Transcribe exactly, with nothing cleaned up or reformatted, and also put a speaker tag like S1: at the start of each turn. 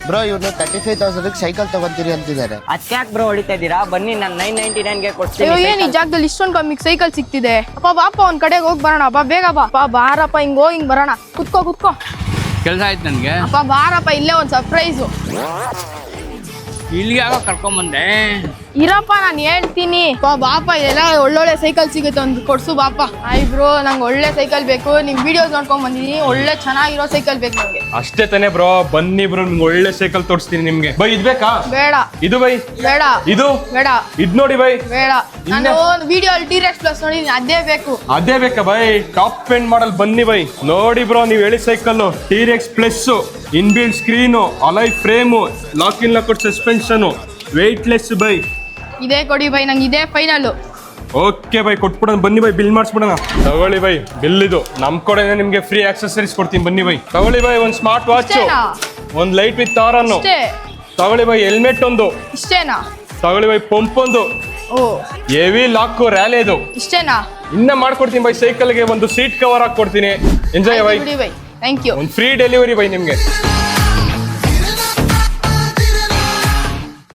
S1: Bro ಇವನು thirty five thousand cycle ತಗೊಂತೀರಿ ಅಂತಿದ್ದಾರೆ.
S2: ಅದ್ಯಾಕ್ ಬ್ರೋ ಹೊಡಿತಾ ಇದ್ದೀರಾ? ಬನ್ನಿ ನಾನು ನೈನ್ ನೈನ್ಟಿ ನೈನ್ ಗೆ
S3: ಅಯ್ಯೋ
S2: ಕೊಡ್ತೀನಿ.
S3: ಏನ್ ಈ ಜಾಗದಲ್ಲಿ ಇಷ್ಟೊಂದು ಕಮ್ಮಿಗೆ ಸೈಕಲ್ ಸಿಕ್ತಿದೆ. ಅಪ್ಪ ಬಾಪ ಒಂದ್ ಕಡೆಗೆ ಹೋಗಿ ಬರೋಣ. ಬಾ ಬೇಗ ಬಾ. ಬಾ ಬಾರಪ್ಪ ಹಿಂಗ್ ಹೋಗಿ ಹಿಂಗ್ ಬರೋಣ. ಕುತ್ಕೋ ಕುತ್ಕೋ.
S4: ಕೆಲಸ ಆಯ್ತು ನನಗೆ.
S3: ಅಪ್ಪ ಬಾರಪ್ಪ ಇಲ್ಲೇ ಒಂದ್ ಸರ್ಪ್ರೈಸು.
S4: ಇಲ್ಲಿಗೆ ಯಾವಾಗ ಕರ್ಕೊಂಬಂದೆ?
S3: ಇರಪ್ಪ ನಾನು ಹೇಳ್ತೀನಿ. ಬಾ ಬಾಪ ಇದೆಲ್ಲ ಒಳ್ಳೊಳ್ಳೆ ಸೈಕಲ್ ಸಿಗುತ್ತೆ ಒಂದು ಕೊಡ್ಸು ಬಾಪ. ಆಯ್ ಬ್ರೋ ನಂಗೆ ಒಳ್ಳೆ ಸೈಕಲ್ ಬೇಕು. ನಿಮ್ ವಿಡಿಯೋಸ್ ನೋಡ್ಕೊಂಡ್ ಬಂದಿದ್ದೀನಿ. ಒಳ್ಳೆ ಚೆನ್ನಾಗಿರೋ ಸೈಕಲ್ ಬೇಕು ನಂಗೆ.
S5: ಅಷ್ಟೇ ತಾನೇ ಬ್ರೋ, ಬನ್ನಿ ಬ್ರೋ ನಿಮ್ಗೆ ಒಳ್ಳೆ ಸೈಕಲ್ ತೋರಿಸ್ತೀನಿ ನಿಮ್ಗೆ. ಬೈ ಇದ್ ಬೇಕಾ?
S3: ಬೇಡ.
S5: ಇದು ಬೈ
S3: ಬೇಡ.
S5: ಇದು
S3: ಬೇಡ.
S5: ಇದ್ ನೋಡಿ ಬೈ.
S3: ಬೇಡ. ನಾನು ವಿಡಿಯೋ ಅಲ್ಲಿ ಟಿ-ರೆಕ್ಸ್ ಪ್ಲಸ್ ನೋಡಿದ್ದೀನಿ, ಅದೇ ಬೇಕು.
S5: ಅದೇ ಬೇಕಾ ಬೈ? ಟಾಪ್ ಎಂಡ್ ಮಾಡಲ್ ಬನ್ನಿ ಬೈ. ನೋಡಿ ಬ್ರೋ ನೀವು ಹೇಳಿ cycle T Rex plus, inbuilt screen, alloy frame, lock in lock suspension, weightless ಬೈ.
S3: ಇದೇ ಕೊಡಿ ಬೈ, ನಂಗೆ ಇದೇ ಫೈನಲ್.
S5: ಓಕೆ ಬೈ ಕೊಟ್ಬಿಡೋಣ ಬನ್ನಿ ಬೈ, ಬಿಲ್ ಮಾಡಿಸ್ಬಿಡೋಣ. ತಗೊಳ್ಳಿ ಬೈ ಬಿಲ್. ಇದು ನಮ್ ಕಡೆ ನಿಮ್ಗೆ ಫ್ರೀ ಆಕ್ಸೆಸರೀಸ್ ಕೊಡ್ತೀನಿ ಬನ್ನಿ ಬೈ. ತಗೊಳ್ಳಿ ಬೈ ಒಂದ್ ಸ್ಮಾರ್ಟ್ ವಾಚ್,
S3: ಇಷ್ಟೇನಾ?
S5: ಒಂದ್ ಲೈಟ್ ವಿತ್ ಆರನ್ನು
S3: ಇಷ್ಟೇ?
S5: ತಗೊಳ್ಳಿ ಬೈ. ಹೆಲ್ಮೆಟ್ ಒಂದು
S3: ಇಷ್ಟೇನಾ?
S5: ತಗೊಳ್ಳಿ ಬೈ. ಪಂಪ್ ಒಂದು,
S3: ಓ
S5: ಹೆವಿ ಲಾಕ್ ರ್ಯಾಲಿ ಇದು
S3: ಇಷ್ಟೇನಾ?
S5: ಇನ್ನ ಮಾಡ್ಕೊಡ್ತೀನಿ ಬೈ. ಸೈಕಲ್ಗೆ ಒಂದು ಸೀಟ್ ಕವರ್ ಹಾಕೊಡ್ತೀನಿ. ಎಂಜಾಯ್ ಬೈ.
S3: ಬಿಡಿ ಬೈ, ಥ್ಯಾಂಕ್ ಯು.
S5: ಒಂದು ಫ್ರೀ ಡೆಲಿವರಿ ಬೈ ನಿಮ್ಗೆ.